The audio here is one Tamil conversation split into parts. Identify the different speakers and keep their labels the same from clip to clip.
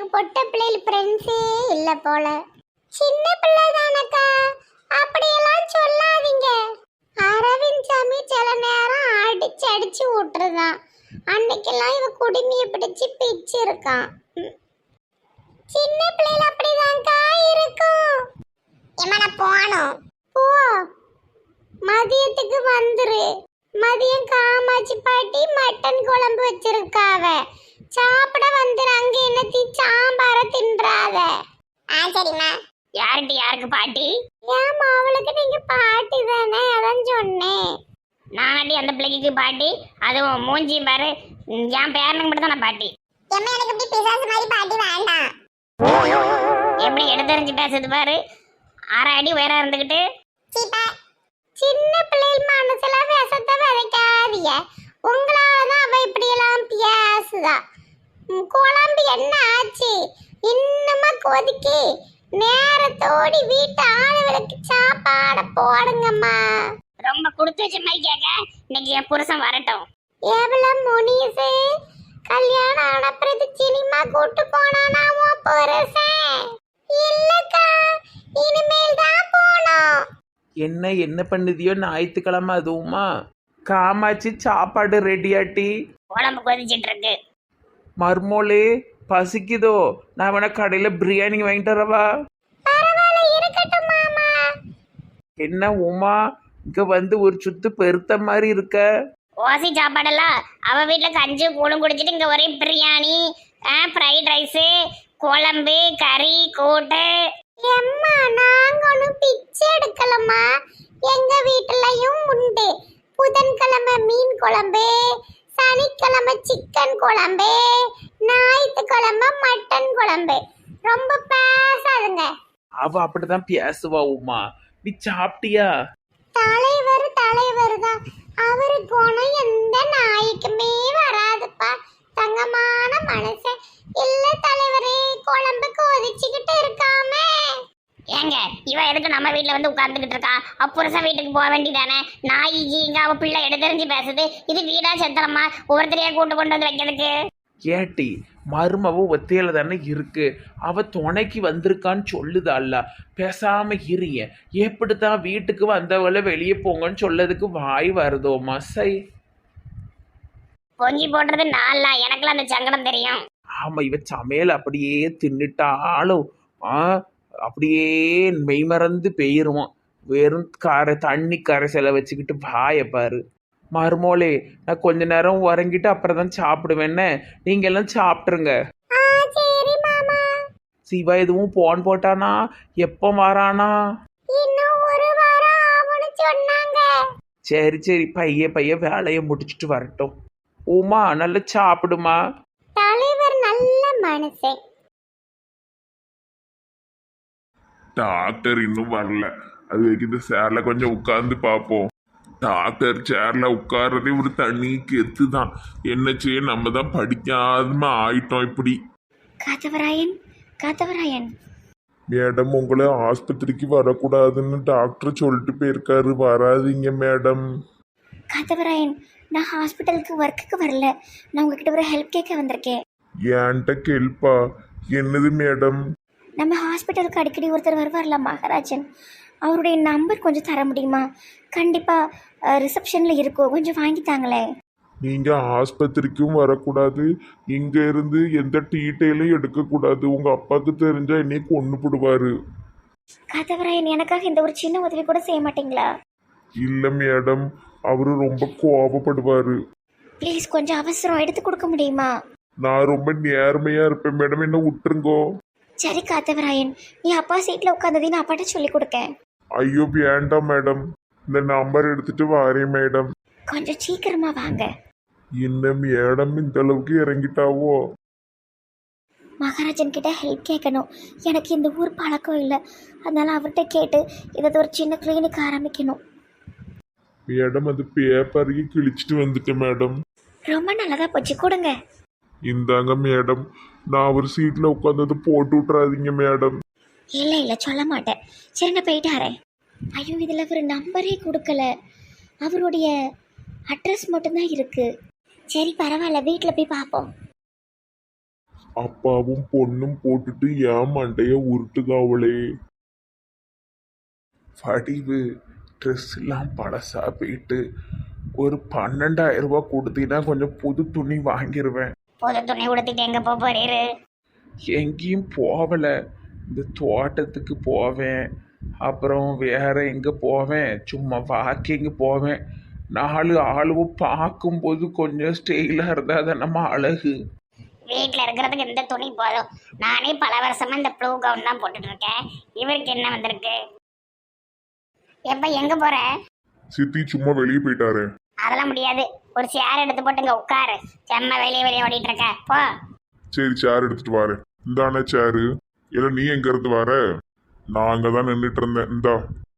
Speaker 1: பொட்ட பிள்ளைகள் ஃப்ரெண்ட்ஸே இல்ல போல. சின்ன பிள்ளை தானக்கா, அப்படியெல்லாம் சொல்லாதீங்க. அரவிந்த் சாமி சில நேரம் அடிச்சு அடிச்சு விட்டுருதான். அன்னைக்கெல்லாம் இவ குடுமிய பிடிச்சு பிச்சு இருக்கான். சின்ன பிள்ளைகள் அப்படிதான்க்கா இருக்கும். எமன போணும் போ, மதியத்துக்கு வந்துரு. மதியம் காமாட்சி பாட்டி மட்டன் குழம்பு வச்சிருக்காவ, சாப்பிட வந்துரு. அங்க என்னத்தி சாம்பார தின்றாத. சரிம்மா. யார்கிட்ட யாருக்கு பாட்டி? ஏமா அவளுக்கு நீங்க பாட்டி தானே, அதான் சொன்னேன். நானடி அந்த பிள்ளைக்கு பாட்டி, அதுவும் மூஞ்சி பாரு, என் பேரனுக்கு மட்டும் தான் நான் பாட்டி. எம்மா எனக்கு இப்படி பிசாசு மாதிரி பாட்டி வேண்டாம். எப்படி எடுத்தறிஞ்சு பேசுது பாரு, அரை அடி வேற இருந்துகிட்டு. சின்ன பிள்ளைகள் மனசுல விஷத்தை விதைக்காதீங்க. உங்களாலதான் அவ இப்படி எல்லாம் பேசுதா. குழம்பு என்ன ஆச்சு? இன்னுமா கொதிக்கி நேரத்தோடி வீட்டு ஆளுகளுக்கு சாப்பாட போடுங்கம்மா. ரொம்ப கொடுத்து வச்ச மாதிரி கேட்க, இன்னைக்கு என் புருஷன் வரட்டும். எவ்வளவு முனிசு கல்யாணம் ஆனப்புறது சினிமா கூட்டு போனானா உன் புருஷன்? இல்லக்கா, இனிமேல் தான் போனோம்.
Speaker 2: என்ன பண்ணுதியோ ஞாயிற்றுக்கிழமை அதுவுமா? காமாச்சி சாப்பாடு ரெடியாட்டி?
Speaker 1: குழம்பு கொதிச்சிட்டு இருக்கு.
Speaker 2: மர்மோலே பசிக்குதோ? நான் வேணா கடையில் பிரியாணி வாங்கிட்டு வரவா? என்ன உமா இங்க வந்து ஒரு சுத்து பெருத்த மாதிரி இருக்க?
Speaker 1: ஓசி சாப்பாடெல்லாம் அவ வீட்டுல கஞ்சி கூழும் குடிச்சிட்டு இங்க ஒரே பிரியாணி, ஃப்ரைட் ரைஸ், குழம்பு, கறி, கூட்டு. எம்மா நாங்க ஒன்றும் பிச்சை எடுக்கலம்மா. எங்க வீட்டுலயும் உண்டு. புதன்கிழமை மீன் குழம்பு, சனிக்கிழமை சிக்கன் குழம்பு, ஞாயிற்றுக்கிழமை மட்டன் குழம்பு. ரொம்ப பேசாதுங்க.
Speaker 2: அவ அப்படிதான் பேசுவா உமா. நீ சாப்பிட்டியா?
Speaker 1: தலைவர் தான். அவரு குணம் எந்த நாய்க்குமே வராதுப்பா. தங்கமான மனுஷன். இல்ல தலைவரே, குழம்பு கொதிச்சுக்கிட்டு இருக்காம. ஏங்க இவ எதுக்கு நம்ம வீட்டுல வந்து உட்கார்ந்துகிட்டு இருக்கா? அப்புறம் வீட்டுக்கு போக வேண்டியதானே? நாய் இங்க அவ பிள்ளை எடுத்தறிஞ்சு பேசுது. இது வீடா செத்தலமா ஒவ்வொருத்தரையா கூட்டு கொண்டு வந்து வைக்கிறதுக்கு?
Speaker 2: கேட்டி மருமவ ஒத்தையில தானே இருக்கு. அவ துணைக்கு வந்திருக்கான்னு சொல்லுதால்ல, பேசாம இருங்க. எப்படித்தான் வீட்டுக்கு வந்தவளை வெளியே போங்கன்னு சொல்லதுக்கு வாய் வருதோமா? சை
Speaker 1: பொங்கி போடுறது நாளா எனக்குலாம் அந்த சங்கடம் தெரியும்.
Speaker 2: ஆமா, இவ சமையல் அப்படியே தின்னுட்டாலும் அப்படியே மெய்மறந்து பெயிருவான். வெறும் தண்ணி கரைசலை வச்சுக்கிட்டு வாயை பாரு. மருமோளே, நான் கொஞ்ச நேரம் உறங்கிட்டு அப்புறம் தான் சாப்பிடுவேன்னு. நீங்க எல்லாம் சாப்பிட்டுருங்க. சிவா எதுவும் போன் போட்டானா? எப்போ வரானா? சரி பைய வேலையை முடிச்சுட்டு வரட்டும். உமா நல்லா சாப்பிடுமா.
Speaker 1: தலைவர் நல்ல மனுஷன்.
Speaker 3: டாக்டர் இன்னும் வரல. அது வரைக்கும் இந்த சேர்ல கொஞ்சம் உட்கார்ந்து பார்ப்போம். டாக்டர் சேர்ல உட்கார்றதே ஒரு தண்ணி கெத்து தான். என்ன செய்ய, நம்ம தான் படிக்காம ஆயிட்டோம் இப்படி.
Speaker 1: காத்தவராயன்
Speaker 3: மேடம், உங்களை ஆஸ்பத்திரிக்கு வரக்கூடாதுன்னு டாக்டர் சொல்லிட்டு போயிருக்காரு. வராதீங்க மேடம்.
Speaker 1: காத்தவராயன், நான் ஹாஸ்பிட்டலுக்கு ஒர்க்குக்கு வரல. நான் உங்ககிட்ட ஒரு ஹெல்ப் கேட்க வந்திருக்கேன்.
Speaker 3: ஏன்ட்ட கேள்ப்பா. என்னது மேடம்?
Speaker 1: நம்ம ஹாஸ்பிட்டலுக்கு அடிக்கடி ஒருத்தர் வருவார்ல, மகாராஜன். அவருடைய நம்பர் கொஞ்சம் தர முடியுமா? கண்டிப்பாக ரிசப்ஷனில் இருக்கும், கொஞ்சம் வாங்கித்தாங்களே.
Speaker 3: நீங்க ஆஸ்பத்திரிக்கும் வரக்கூடாது, இங்க இருந்து எந்த டீட்டெயிலும் எடுக்கக்கூடாது. உங்க அப்பாவுக்கு தெரிஞ்சா என்னை கொண்டு போடுவாரு.
Speaker 1: காத்தவராயன், எனக்காக இந்த ஒரு சின்ன உதவி கூட செய்ய மாட்டீங்களா?
Speaker 3: இல்ல மேடம், அவரு ரொம்ப கோபப்படுவாரு.
Speaker 1: ப்ளீஸ் கொஞ்சம் அவசரம், எடுத்து கொடுக்க முடியுமா?
Speaker 3: நான் ரொம்ப நேர்மையா இருப்பேன் மேடம், என்ன விட்டுருங்கோ.
Speaker 1: சரி காத்தவராயன், நீ அப்பா சீட்டில் உட்காந்ததையும் நான் அப்பாட்ட சொல்லி கொடுக்கேன்.
Speaker 3: ஐயோ வேண்டாம் மேடம், இந்த நம்பர் எடுத்துட்டு வாரேன் மேடம்.
Speaker 1: கொஞ்சம் சீக்கிரமா வாங்க.
Speaker 3: என்ன மேடம் இந்த அளவுக்கு இறங்கிட்டாவோ?
Speaker 1: மகாராஜன் கிட்ட ஹெல்ப் கேட்கணும். எனக்கு இந்த ஊர் பழக்கம் இல்லை, அதனால அவர்கிட்ட கேட்டு இதை ஒரு சின்ன கிளினிக் ஆரம்பிக்கணும்.
Speaker 3: மேடம், அது பேப்பரையே கிழிச்சிட்டு வந்துட்டேன் மேடம்.
Speaker 1: ரொம்ப நல்லதா போச்சு, கொடுங்க.
Speaker 3: இந்தாங்க மேடம், நான் ஒரு சீட்ல உட்காந்தது போட்டு விட்றாதீங்க மேடம்.
Speaker 1: இல்லை சொல்ல மாட்டேன். சரி நான் போயிட்டு வரேன். ஐயோ, இதில் ஒரு நம்பரே கொடுக்கல. அவருடைய அட்ரஸ் மட்டும்தான் இருக்கு. சரி பரவாயில்ல, வீட்டில் போய் பார்ப்போம்.
Speaker 3: அப்பாவும் பொண்ணும் போட்டுட்டு ஏன் மண்டைய உருட்டுகாவளே.
Speaker 2: வடிவு ட்ரெஸ் எல்லாம் பழசா போயிட்டு ஒரு 12,000 ரூபாய் கொடுத்தீங்கன்னா கொஞ்சம் புது துணி வாங்கிடுவேன்.
Speaker 1: புது துணி உடுத்திட்டு எங்க போறீரு?
Speaker 2: எங்கேயும் போகலை, இந்த தோட்டத்துக்கு போவேன், அப்புறம் வேற எங்கே போவேன், சும்மா வாக்கிங் போவேன். 4 ஆளுவும் பார்க்கும்போது கொஞ்சம் ஸ்டைலாக இருந்தால் தான் நம்ம அழகு.
Speaker 1: வீட்டில் இருக்கிறதுக்கு இந்த துணி போதும். நானே பல வருஷமா இந்த ப்ளூ கவுன் தான் போட்டுட்டு இருக்கேன். இவருக்கு என்ன வந்திருக்கு? எப்ப எங்க போற?
Speaker 3: சித்தி சும்மா வெளியே போயிட்டாரு.
Speaker 1: அதெல்லாம் முடியாது. ஒரு சேர் எடுத்து போட்டுங்க உட்காரு. செம்ம வெளியே ஓடிட்டு இருக்க போ.
Speaker 3: சரி சேர் எடுத்துட்டு வாரு. இந்தானே சேரு. இல்ல நீ எங்க இருந்து வர? நான் அங்கதான் நின்றுட்டு இருந்தேன். இந்தா.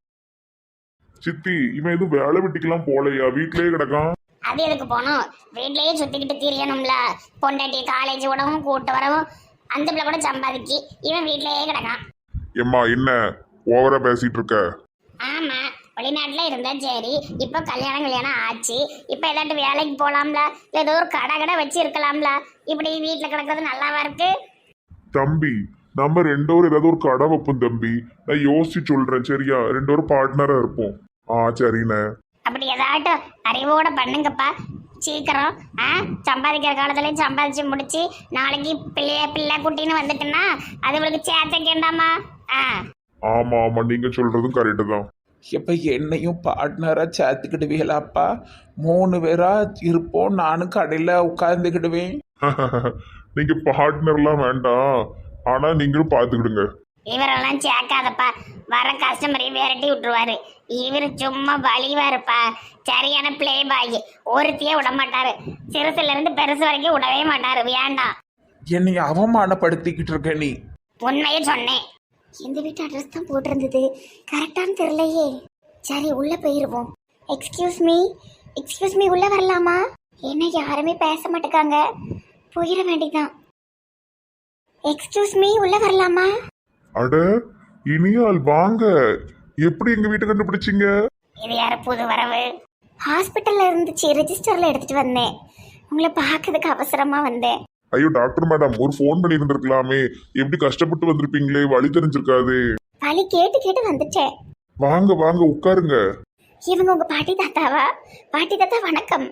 Speaker 3: சித்தி இவன் எதுவும் வேலை வெட்டிக்கலாம் போலையா? வீட்லயே கிடக்கான்.
Speaker 1: அது எதுக்கு போகணும்? வீட்லயே சுத்திக்கிட்டு திரியணும்ல. பொண்டாட்டி காலேஜ் விடவும் கூட்டு வரவும் அந்த பிள்ளை கூட சம்பாதிக்கு. இவன் வீட்லயே கிடக்கான்.
Speaker 3: எம்மா என்ன ஓவரா பேசிட்டு இருக்க?
Speaker 1: ஆமா, வெளிநாட்டுல இருந்தா சரி. இப்ப கல்யாணம் ஆச்சு. இப்ப ஏதாட்டு வேலைக்கு போலாம்ல, இல்ல ஏதோ ஒரு கடை வச்சு இருக்கலாம்ல. இப்படி வீட்டுல கிடக்கிறது நல்லாவா இருக்கு?
Speaker 3: தம்பி நம்ம 2 பேரும் ஏதாவது ஒரு கடை வைப்போம் தம்பி. நான் யோசிச்சு சொல்றேன் சரியா? 2 பேரும் பார்ட்னரா இருப்போம். சரிண்ணே.
Speaker 1: அப்படி ஏதாட்டும் அறிவோட பண்ணுங்கப்பா சீக்கிரம். சம்பாதிக்கிற காலத்துலயும் சம்பாதிச்சு முடிச்சு நாளைக்கு பிள்ளை குட்டின்னு வந்துட்டுன்னா அது உங்களுக்கு சேர்த்த கேண்டாமா?
Speaker 3: ஆமா ஆமா நீங்க சொல்றதும் கரெக்டு தான்.
Speaker 2: இப்போ என்னையும் பார்ட்னராக சேர்த்துக்கிடுவீங்களாப்பா? 3 பேரா இருப்போம், நானும் கடையில் உட்காந்துக்கிடுவேன்.
Speaker 3: நீங்க பார்ட்னர்லாம் வேண்டாம், ஆனா நீங்களும் பாத்துக்கிடுங்க.
Speaker 1: இவரெல்லாம் சேர்க்காதப்பா, வர கஸ்டமரையும் விரட்டி விட்டுருவாரு. இவர் சும்மா வலிவாருப்பா, சரியான பிளே பாய். ஒருத்தையே விட மாட்டாரு, சிறுசுல இருந்து பெருசு வரைக்கும் விடவே மாட்டாரு. வேண்டாம்.
Speaker 2: என்னை அவமானப்படுத்திக்கிட்டு இருக்க நீ.
Speaker 1: உண்மையே சொன்னேன். இந்த வீட்டு அட்ரஸ் தான் போட்டிருந்தது, கரெக்டானு தெரியலையே. சரி உள்ள போயிருவோம். எக்ஸ்கியூஸ் மீ உள்ள வரலாமா? என்ன யாருமே பேச மாட்டேங்காங்க, போயிட வேண்டியதான். எக்ஸ்கியூஸ் மீ உள்ள வரலாமா?
Speaker 3: அட இனியால் வாங்க. எப்படி எங்க வீட்டை கண்டுபிடிச்சிங்க?
Speaker 1: இது யாரு புது வரவு? ஹாஸ்பிட்டல்ல இருந்துச்சு, ரெஜிஸ்டர்ல எடுத்துட்டு வந்தேன். உங்களை பார்க்கறதுக்கு அவசரமா வந்தேன்.
Speaker 3: ஐயோ டாக்டர் மேடம், ஒரு ஃபோன் பண்ணி இருந்திருக்கலாமே. எப்படி கஷ்டப்பட்டு வந்திருப்பீங்களே, வழி தெரிஞ்சிருக்காது.
Speaker 1: வழி கேட்டு வந்துட்டேன்.
Speaker 3: வாங்க வாங்க உட்காருங்க.
Speaker 1: இவங்க உங்க பாட்டி தாத்தாவா? பாட்டி தாத்தா வணக்கம்.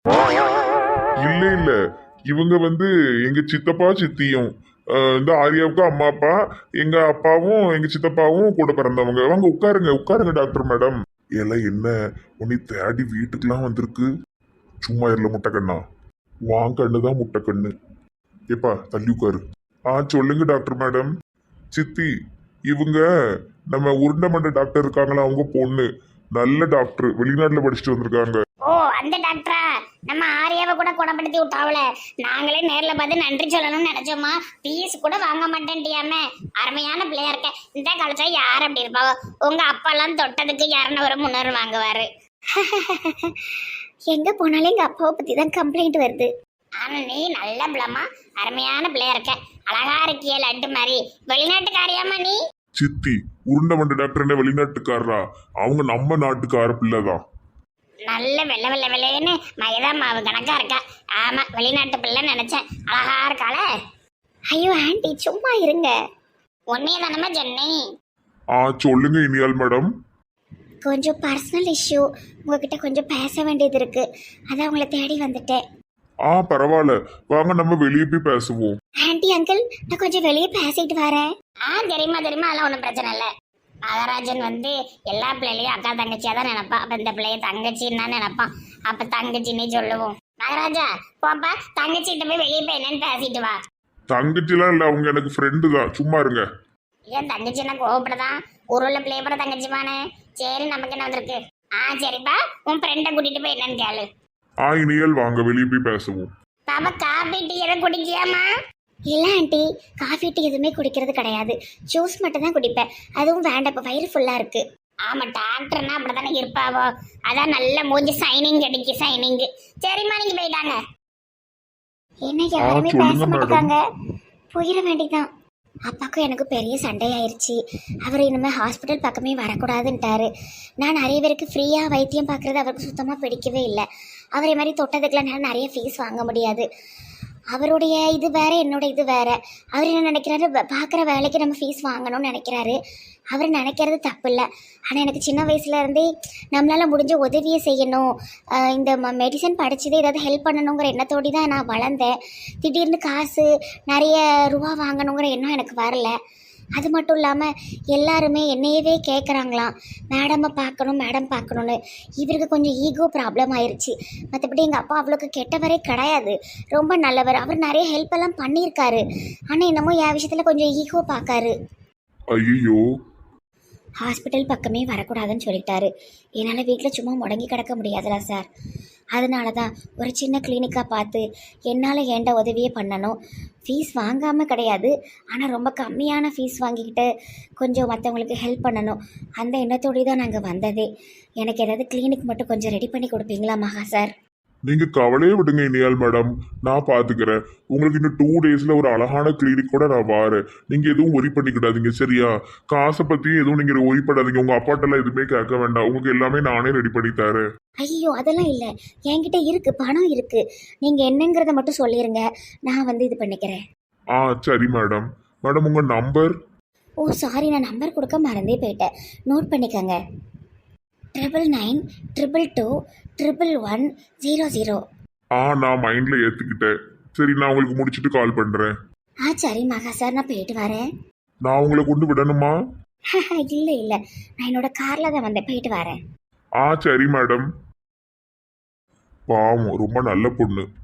Speaker 3: இல்ல இல்ல, இவங்க எங்க சித்தப்பா சித்தியும். இந்த ஆரியாவுக்கு அம்மா அப்பா, எங்க அப்பாவும் எங்க சித்தப்பாவும் கூட பிறந்தவங்க. வாங்க உட்காருங்க டாக்டர் மேடம். எல்லாம் என்ன உன்னை தேடி வீட்டுக்கெல்லாம் வந்திருக்கு? சும்மா இருல முட்டைக்கண்ணா. வாங்க கண்ணுதான் முட்டைக்கண்ணு. ஏப்பா தள்ளி உட்காரு. சொல்லுங்க டாக்டர் மேடம். சித்தி இவங்க நம்ம உருண்டமண்ட டாக்டர் இருக்காங்களா, அவங்க பொண்ணு. நல்ல டாக்டர், வெளிநாட்டுல படிச்சுட்டு வந்திருக்காங்க.
Speaker 1: ஓ அந்த டாக்டரா? நம்ம ஆரியாவை கூட குணப்படுத்தி விட்டாவல. நாங்களே நேர்ல பார்த்து நன்றி சொல்லணும்னு நினைச்சோமா, பீஸ் கூட வாங்க மாட்டேன்ட்டியாம. அருமையான பிள்ளையா இருக்க. இந்த காலத்துல யார் அப்படி இருப்பாவோ? உங்க அப்பெல்லாம் தொட்டதுக்கு 200 300 வாங்குவாரு. எங்க போனாலும் எங்க அப்பாவை பத்தி தான் கம்ப்ளைண்ட் வருது. ஆனா நீ நல்ல பிள்ளைமா, அருமையான பிள்ளையா இருக்க. அழகா இருக்கிய லட்டு மாதிரி. வெளிநாட்டுக்காரியாமா நீ?
Speaker 3: சித்தி உருண்டமண்ட டாக்டர் என்ன வெளிநாட்டுக்காரரா? அவங்க நம்ம நாட்டுக்கார பிள்ளைதான்.
Speaker 1: நல்ல வெள்ளைன்னு மைதா மாவு கணக்கா இருக்கா. ஆமா வெளிநாட்டு பிள்ளை நினைச்சேன். அழகா இருக்காள. ஐயோ ஆண்டி சும்மா இருங்க. உன்னைய தானமா சொன்னே.
Speaker 3: சொல்லுங்க இனியால் மேடம்.
Speaker 1: கொஞ்சம் பர்சனல் இஷ்யூ, உங்ககிட்ட கொஞ்சம் பேச வேண்டியது இருக்கு. அதான் உங்களை தேடி வந்துட்டேன்.
Speaker 3: பரவாயில்ல வாங்க நம்ம வெளியே போய் பேசுவோம்.
Speaker 1: ஆண்டி அங்கிள் நான் கொஞ்சம் வெளியே பேசிட்டு வரேன். தெரியுமா அதெல்லாம் ஒன்றும் பிரச்சனை இல்லை. மகாராஜன் எல்லா பிள்ளைகளையும் அக்கா தங்கச்சியா தான் நினைப்பான். அப்ப இந்த பிள்ளைய தங்கச்சின்னு தான் நினைப்பான். அப்ப தங்கச்சின்னே சொல்லுவோம். மகாராஜா போப்பா, தங்கச்சிட்ட போய் வெளியே போய் என்னன்னு பேசிட்டு வா.
Speaker 3: தங்கச்சிலாம் இல்ல, அவங்க எனக்கு ஃப்ரெண்டு தான். சும்மா இருங்க.
Speaker 1: ஏன் தங்கச்சின்னா கோவப்படதான்? ஒரு உள்ள பிள்ளைய போட தங்கச்சிமானே. சரி நமக்கு என்ன வந்திருக்கு. சரிப்பா, உன் ஃப்ரெண்டை கூட்டிட்டு போய் என்னன்னு கேளு.
Speaker 3: இனியால் வாங்க வெளியே போய் பேசுவோம்.
Speaker 1: பாப்பா காபி டீ எல்லாம் குடிக்கியாமா? இல்லை ஆண்டி, காஃபி டீ எதுவுமே குடிக்கிறது கிடையாது. ஜூஸ் மட்டும் தான் குடிப்பேன். அதுவும் வேண்டாம், இப்போ வயிறு ஃபுல்லாக இருக்கு. ஆமாம் டாக்டர்னா அப்படி தானே இருப்பாவோ. அதான் நல்ல மூஞ்சி சைனிங் கிடைக்கு சைனிங். சரிம்மா நீங்க போயிட்டாங்க. என்ன யாருமே பேச மாட்டாங்க, போயிட வேண்டிதான். அப்பாவுக்கும் எனக்கு பெரிய சண்டை ஆயிடுச்சு. அவர் இனிமேல் ஹாஸ்பிட்டல் பக்கமே வரக்கூடாதுன்ட்டாரு. நான் நிறைய பேருக்கு ஃப்ரீயாக வைத்தியம் பார்க்குறது அவருக்கு சுத்தமாக பிடிக்கவே இல்லை. அவரை மாதிரி தொட்டதுக்கெலாம் நிறைய ஃபீஸ் வாங்க முடியாது. அவருடைய இது வேற, என்னோட இது வேற. அவர் என்ன நினைக்கிறாரு, பார்க்குற வேலைக்கு நம்ம ஃபீஸ் வாங்கணும்னு நினைக்கிறாரு. அவர் நினைக்கிறது தப்பு இல்லை. ஆனால் எனக்கு சின்ன வயசுல இருந்தே நம்மளால் முடிஞ்ச உதவியை செய்யணும், இந்த மெடிசன் படித்ததே ஏதாவது ஹெல்ப் பண்ணணுங்கிற எண்ணத்தோடு தான் நான் வளர்ந்தேன். திடீர்னு காசு நிறைய ரூபா வாங்கணுங்கிற எண்ணம் எனக்கு வரல. அது மட்டும் இல்லாமல் எல்லாருமே என்னையவே கேட்குறாங்களாம், மேடமை பார்க்கணும் மேடம் பார்க்கணுன்னு. இவருக்கு கொஞ்சம் ஈகோ ப்ராப்ளம் ஆயிடுச்சு. மற்றபடி எங்கள் அப்பா அவ்வளோக்கு கெட்டவரே கிடையாது, ரொம்ப நல்லவர். அவர் நிறைய ஹெல்ப் எல்லாம் பண்ணியிருக்காரு. ஆனால் என்னமோ என் விஷயத்தில் கொஞ்சம் ஈகோ பார்க்காரு.
Speaker 3: ஐயோ,
Speaker 1: ஹாஸ்பிட்டல் பக்கமே வரக்கூடாதுன்னு சொல்லிட்டாரு. என்னால் வீட்டில் சும்மா முடங்கி கிடக்க முடியாதுல்ல சார். அதனால தான் ஒரு சின்ன கிளினிக்காக பார்த்து என்னால் ஏண்ட உதவியே பண்ணணும். ஃபீஸ் வாங்காமல் கிடையாது, ஆனால் ரொம்ப கம்மியான ஃபீஸ் வாங்கிக்கிட்டு கொஞ்சம் மற்றவங்களுக்கு ஹெல்ப் பண்ணணும். அந்த எண்ணத்தோடு தான் நாங்கள் வந்ததே. எனக்கு ஏதாவது கிளினிக் மட்டும் கொஞ்சம் ரெடி பண்ணி கொடுப்பீங்களா மகா சார்?
Speaker 3: நீங்க கவலையே விடுங்க இனியால் மேடம், நான் பாத்துக்கிறேன். உங்களுக்கு இன்னும் 2 டேஸ்ல ஒரு அழகான கிளினிக் கூட நான் வாரேன். நீங்க எதுவும் ஒரி பண்ணிக்கிடாதீங்க சரியா? காசை பத்தியும் எதுவும் நீங்க ஒரி பண்ணாதீங்க. உங்க அப்பாட்டெல்லாம் எதுவுமே கேட்க வேண்டாம். உங்களுக்கு எல்லாமே நானே ரெடி பண்ணி தரேன்.
Speaker 1: ஐயோ அதெல்லாம் இல்லை, என்கிட்ட இருக்குது, பணம் இருக்குது. நீங்கள் என்னங்கிறத மட்டும் சொல்லிடுங்க, நான் வந்து இது பண்ணிக்கிறேன்.
Speaker 3: சரி மேடம். மேடம் உங்க நம்பர்?
Speaker 1: ஓ சாரி, நான் நம்பர் கொடுக்க மறந்தே போயிட்டேன். நோட் பண்ணிக்கோங்க. 9922211100.
Speaker 3: நான் மைண்ட்ல ஏத்துக்கிட்டேன். சரி, நான் உங்களுக்கு முடிச்சிட்டு கால் பண்றேன்.
Speaker 1: சரி மகா சார், நான் போயிட்டு வரேன்.
Speaker 3: நான் உங்களை கொண்டு விடணுமா?
Speaker 1: இல்லை இல்லை, நான் என்னோட காரில் தான் வந்தேன், போயிட்டு வரேன்.
Speaker 3: சரி மேடம். பாவம், ரொம்ப நல்ல பொண்ணு.